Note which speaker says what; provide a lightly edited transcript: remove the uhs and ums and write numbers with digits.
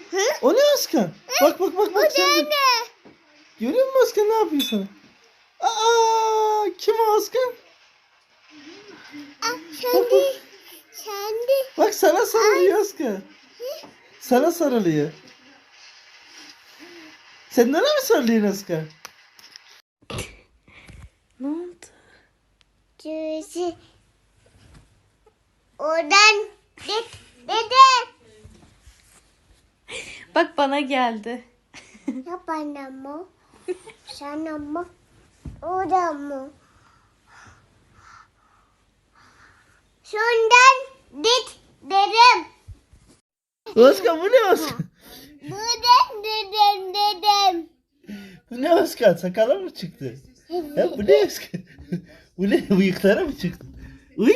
Speaker 1: O ne Özkan? Bak sen de. Görüyor musun Özkan ne yapıyor sana? Aa, kim o Özkan? Bak. Bak sana sarılıyor Özkan. Sana sarılıyor. Sen nereye mi sarılıyorsun Özkan? Ne oldu?
Speaker 2: Cüzi. Oradan dede.
Speaker 3: Bak bana geldi.
Speaker 2: Ya bana mı? Sana mı? Oradan mı? Şundan dedim.
Speaker 1: Özkan bu ne Özkan?
Speaker 2: Buradan dedim.
Speaker 1: Bu ne Özkan? Sakala mı çıktı? Ya bu ne Özkan? Bu ne? Bıyıklara mı çıktı? Uy!